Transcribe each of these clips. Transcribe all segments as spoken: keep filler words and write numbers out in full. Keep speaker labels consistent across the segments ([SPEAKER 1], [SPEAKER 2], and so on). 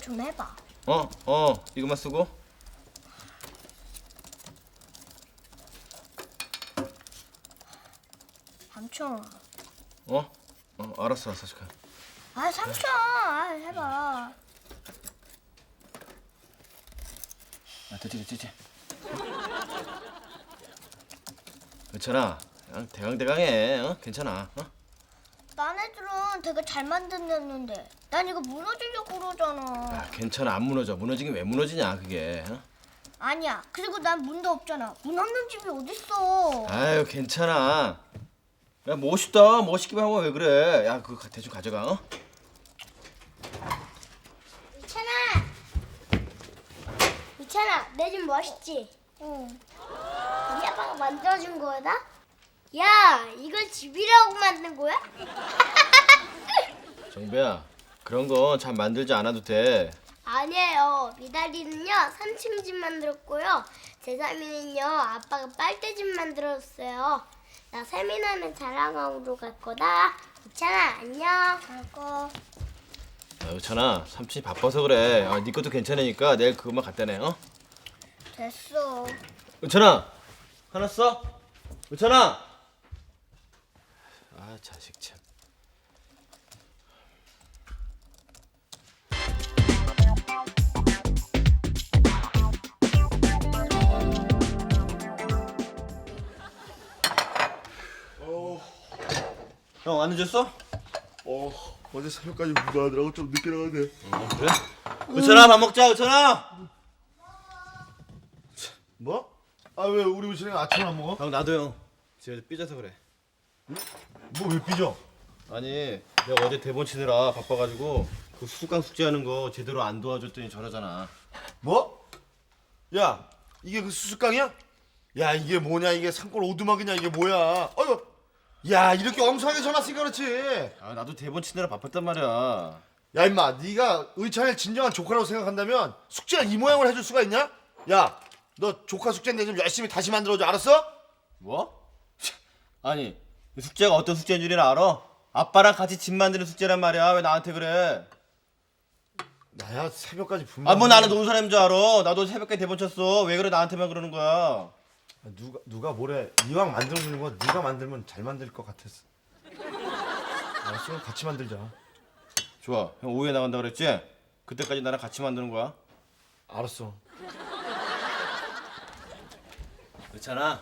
[SPEAKER 1] 좀 해봐.
[SPEAKER 2] 어, 어, 이것만 쓰고.
[SPEAKER 1] 삼촌.
[SPEAKER 2] 어? 어, 알았어, 알았어, 잠깐.
[SPEAKER 1] 아 삼촌, 아, 해봐.
[SPEAKER 2] 아, 됐지, 됐지, 됐지. 괜찮아. 그냥 대강대강해. 어? 괜찮아. 어?
[SPEAKER 1] 딴 애들은 되게 잘 만든다는데 난 이거 무너지려고 그러잖아.
[SPEAKER 2] 아, 괜찮아. 안 무너져. 무너지긴 왜 무너지냐, 그게. 어?
[SPEAKER 1] 아니야. 그리고 난 문도 없잖아. 문 없는 집이 어딨어.
[SPEAKER 2] 아유, 괜찮아. 야, 멋있다. 멋있기만 하고 왜 그래? 야, 그거 대충 가져가. 어?
[SPEAKER 1] 미찬아. 미찬아, 내 집 멋있지? 응. 우리 아빠가 만들어준 거다? 야, 이걸 집이라고 만든 거야?
[SPEAKER 2] 정배야, 그런 건 잘 만들지 않아도 돼.
[SPEAKER 1] 아니에요. 미다리는요 삼 층 집 만들었고요. 제사미는요 아빠가 빨대집 만들었어요. 나 세미나는 자랑하러 갈 거다. 미찬아 안녕. 갈거.
[SPEAKER 2] 아, 의찬아, 삼촌이 바빠서 그래. 아, 네 것도 괜찮으니까 내일 그것만 갖다 내. 어?
[SPEAKER 1] 됐어.
[SPEAKER 2] 의찬아, 하나 써? 의찬아. 아, 자식 참. 형, 안 늦었어?
[SPEAKER 3] 어, 어제 새벽까지 공부하느라고 좀 늦게 나갔네.
[SPEAKER 2] 어, 그래? 의찬아, 밥 먹자, 의찬아.
[SPEAKER 3] 뭐? 아, 왜 우리 우진이가 아침 안 먹어?
[SPEAKER 2] 형, 나도 형. 집에서 삐져서 그래.
[SPEAKER 3] 뭐 왜 삐져?
[SPEAKER 2] 아니, 내가 어제 대본 치느라 바빠가지고 그 수수깡 숙제하는 거 제대로 안 도와줬더니 저러잖아.
[SPEAKER 3] 뭐? 야, 이게 그 수수깡이야? 야, 이게 뭐냐? 이게 산골 오두막이냐? 이게 뭐야? 어휴, 야, 이렇게 엉성하게 전화 쓰니까 그렇지.
[SPEAKER 2] 아, 나도 대본 치느라 바빴단 말이야.
[SPEAKER 3] 야, 임마, 네가 의찬을 진정한 조카라고 생각한다면 숙제가 이 모양을 해줄 수가 있냐? 야, 너 조카 숙제인데 좀 열심히 다시 만들어줘, 알았어?
[SPEAKER 2] 뭐? 아니, 이 숙제가 어떤 숙제인 줄이나 알아? 아빠랑 같이 집 만드는 숙제란 말이야. 왜 나한테 그래?
[SPEAKER 3] 나야 새벽까지 분명.
[SPEAKER 2] 아, 뭐 나는 노는 사람인 줄 알아. 나도 새벽에 대본 쳤어. 왜 그래 나한테만 그러는 거야?
[SPEAKER 3] 누가 누가 뭐래? 이왕 만들어주는 거 네가 만들면 잘 만들 것 같았어. 알았어, 그럼 같이 만들자.
[SPEAKER 2] 좋아. 형 오후에 나간다 그랬지? 그때까지 나랑 같이 만드는 거야.
[SPEAKER 3] 알았어.
[SPEAKER 2] 그렇잖아.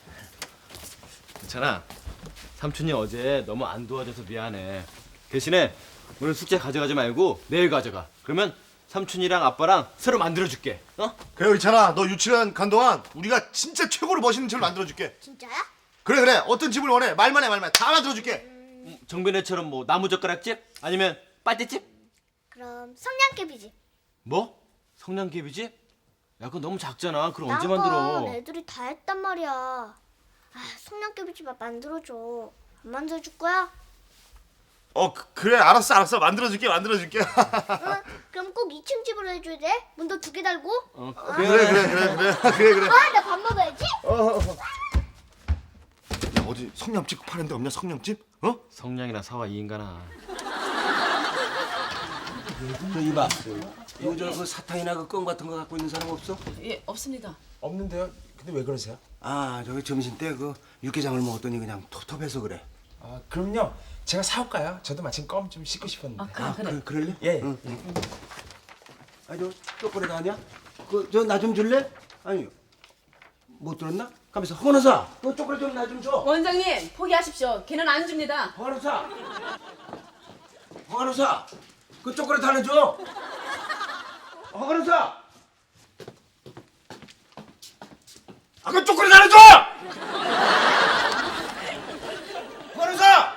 [SPEAKER 2] 그렇잖아. 삼촌이 어제 너무 안 도와줘서 미안해. 대신에 오늘 숙제 가져가지 말고 내일 가져가. 그러면 삼촌이랑 아빠랑 새로 만들어줄게. 어?
[SPEAKER 3] 그래, 의찬아, 너 유치원 간 동안 우리가 진짜 최고로 멋있는 집을 만들어줄게.
[SPEAKER 1] 진짜야?
[SPEAKER 3] 그래 그래, 어떤 집을 원해? 말만 해, 말만 해. 다 만들어줄게.
[SPEAKER 2] 음, 정변애처럼 뭐 나무젓가락집? 아니면 빨대집?
[SPEAKER 1] 그럼 성냥개비지.
[SPEAKER 2] 뭐? 성냥개비집? 야, 그건 너무 작잖아. 그럼 언제
[SPEAKER 1] 딴 건
[SPEAKER 2] 만들어?
[SPEAKER 1] 애들이 다 했단 말이야. 아, 성냥개비집 만들어줘. 안 만들어줄 거야?
[SPEAKER 3] 어, 그, 그래, 알았어, 알았어. 만들어줄게, 만들어줄게.
[SPEAKER 1] 응? 그럼 꼭 이 층 집으로 해줘야 돼? 문도 두 개 달고?
[SPEAKER 2] 어,
[SPEAKER 3] 그래 그래 그래 그래 그래 그래.
[SPEAKER 1] 아, 나 밥 먹어야지.
[SPEAKER 3] 어, 어, 어. 야, 어디 성냥집 파는 데 없냐? 성냥집? 어?
[SPEAKER 2] 성냥이나 사와 이 인간아.
[SPEAKER 4] 저 이봐, 이거 저 그 사탕이나 그 껌 같은 거 갖고 있는 사람 없어?
[SPEAKER 5] 예, 없습니다.
[SPEAKER 6] 없는데요? 근데 왜 그러세요?
[SPEAKER 4] 아, 저기 점심 때 그 육개장을 먹었더니 그냥 텁텁해서 그래.
[SPEAKER 6] 아, 그럼요. 제가 사올까요? 저도 마침 껌 좀 씻고 싶었는데.
[SPEAKER 5] 아, 그래,
[SPEAKER 4] 아,
[SPEAKER 5] 그래.
[SPEAKER 4] 그, 그럴래?
[SPEAKER 6] 예.
[SPEAKER 4] 응. 아, 저 초콜릿 아니야? 그 저 나 좀 줄래? 아니, 못 들었나? 가면서 허건호사, 그 초콜릿 좀 나 좀 줘.
[SPEAKER 5] 원장님, 포기하십시오. 걔는 안 줍니다.
[SPEAKER 4] 허건호사, 허건호사, 그 초콜릿 하나 줘. 허건호사, 아, 그 초콜릿 하나 줘. 허건호사,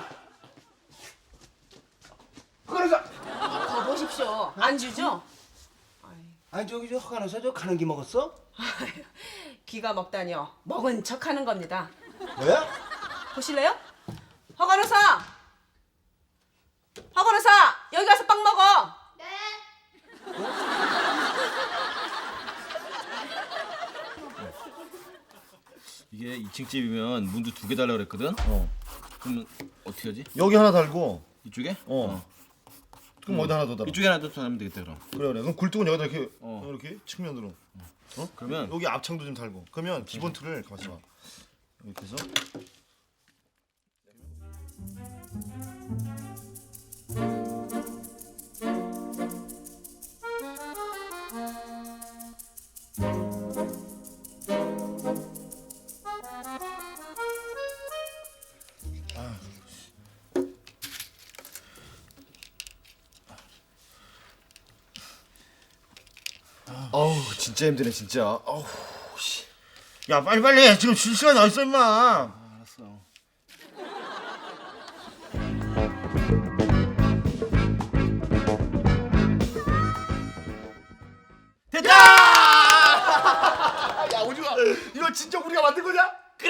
[SPEAKER 4] 허건호사.
[SPEAKER 5] 가보십시오. 안 주죠?
[SPEAKER 4] 아니 저기 저 허간호사 저 가는 기 먹었어?
[SPEAKER 5] 귀가 먹다니요. 먹은 척하는 겁니다.
[SPEAKER 4] 뭐야?
[SPEAKER 5] 보실래요? 허건호사! 허건호사! 여기 가서 빵 먹어!
[SPEAKER 1] 네.
[SPEAKER 2] 이게 이 층 집이면 문도 두 개 달라 그랬거든. 어. 그러면 어떻게 하지?
[SPEAKER 3] 여기 하나 달고
[SPEAKER 2] 이쪽에?
[SPEAKER 3] 어. 그럼 어디 하나 더 달아?
[SPEAKER 2] 이쪽에 하나 더 하면 되겠다 그럼.
[SPEAKER 3] 그래 그래. 그럼 굴뚝은 여기다 이렇게
[SPEAKER 2] 어.
[SPEAKER 3] 이렇게 측면으로. 어?
[SPEAKER 2] 그러면
[SPEAKER 3] 여기 앞창도 좀 달고. 그러면 기본 틀을 가만있어 봐. 이렇게 해서.
[SPEAKER 2] 어우 진짜 힘드네 진짜. 어우 씨.
[SPEAKER 3] 야 빨리 빨리 지금 쉴 시간이 어딨어 임마.
[SPEAKER 2] 알았어.
[SPEAKER 3] 됐다! 야 오지마. 이거 진짜 우리가 만든 거냐? 그래!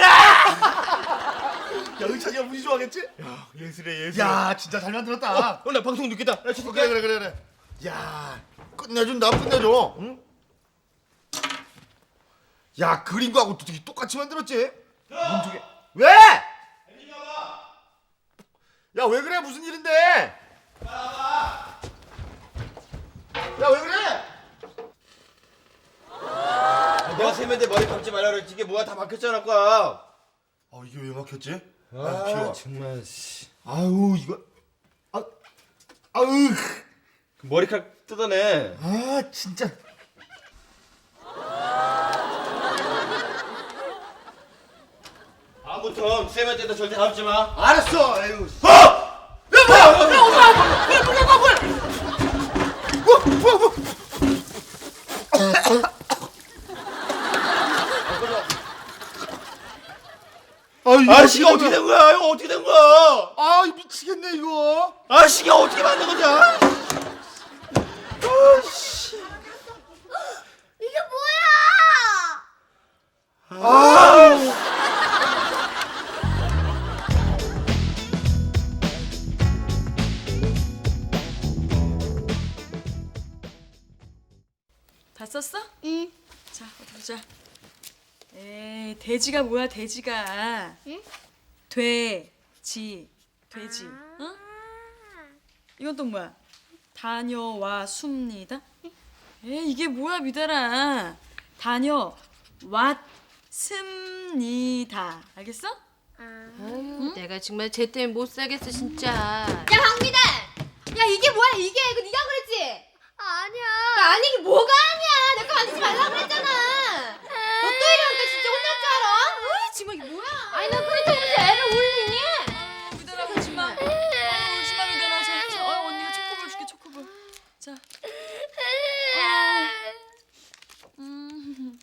[SPEAKER 3] 야 의찬이가 무지 좋아하겠지? 야 예술이야 예술. 야 진짜 잘 만들었다.
[SPEAKER 2] 어 나 방송 늦겠다. 나 지금
[SPEAKER 3] 그래 그래 그래 그래. 야 끝내준다 끝내줘. 응? 야 그린 거하고 되게 똑같이 만들었지? 문두개 왜? 야 왜 그래 무슨 일인데? 야 왜 그래?
[SPEAKER 2] 내가 세면대 머리 감지 말라 그랬지. 이게 뭐야 다 막혔잖아 아까.
[SPEAKER 3] 아 이게 왜 막혔지? 아,
[SPEAKER 2] 아
[SPEAKER 3] 귀여워.
[SPEAKER 2] 정말 씨.
[SPEAKER 3] 아유 이거 아 아유
[SPEAKER 2] 그 머리카락 뜯어내.
[SPEAKER 3] 아 진짜.
[SPEAKER 2] 다음부터 세면대도 절대 감지 마.
[SPEAKER 3] 알았어. 에휴.
[SPEAKER 2] 어! 야 뭐야? 야 엄마! 뭐야 뭐야 뭐야 뭐야?
[SPEAKER 3] 뭐 뭐 뭐. 아 이거
[SPEAKER 2] 아 시계 어떻게 된 거야? 이거 어떻게 된 거야?
[SPEAKER 3] 아 미치겠네 이거.
[SPEAKER 2] 아 시계 어떻게 만든 거냐? 아씨.
[SPEAKER 1] 이게 뭐야?
[SPEAKER 3] 아.
[SPEAKER 7] 다 썼어?
[SPEAKER 1] 응.
[SPEAKER 7] 자, 어디 보자. 에이, 돼지가 뭐야, 돼지가.
[SPEAKER 1] 응?
[SPEAKER 7] 돼지, 돼지. 어? 이건 또 뭐야? 다녀왔습니다. 에이, 이게 뭐야, 미달아. 다녀왔습니다. 알겠어?
[SPEAKER 8] 아유, 내가 정말 쟤 때문에 못 살겠어 진짜.
[SPEAKER 9] 야 강미달! 야 이게 뭐야 이게 이거 네가 그랬지?
[SPEAKER 1] 아니야.
[SPEAKER 9] 야, 아니 이게 뭐가 아니야 내 거 만지지 말라고 그랬잖아. 너 또 이러니까 진짜 혼날 줄 알아? 어이 정말 이게 뭐야? 아니 너 그렇다고 무슨 애를 울리니?
[SPEAKER 7] 미달아, 울지 마. 어, 울지 마, 미달아. 자, 자, 어, 언니가 초코볼 줄게, 초코볼. 자. 어. 음.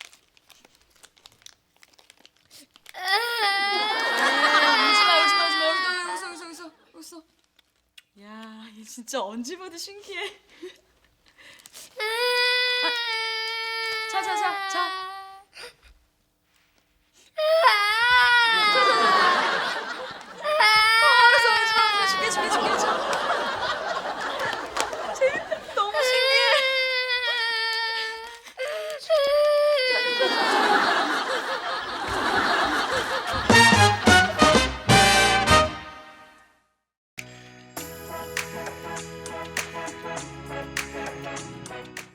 [SPEAKER 7] 울지 마, 울지 마, 울지 마. 여기다, 여기서, 여기서, 여기서, 여기서. 야, 얘 진짜 언제 봐도 신기해. 아, 자, 자, 자, 자.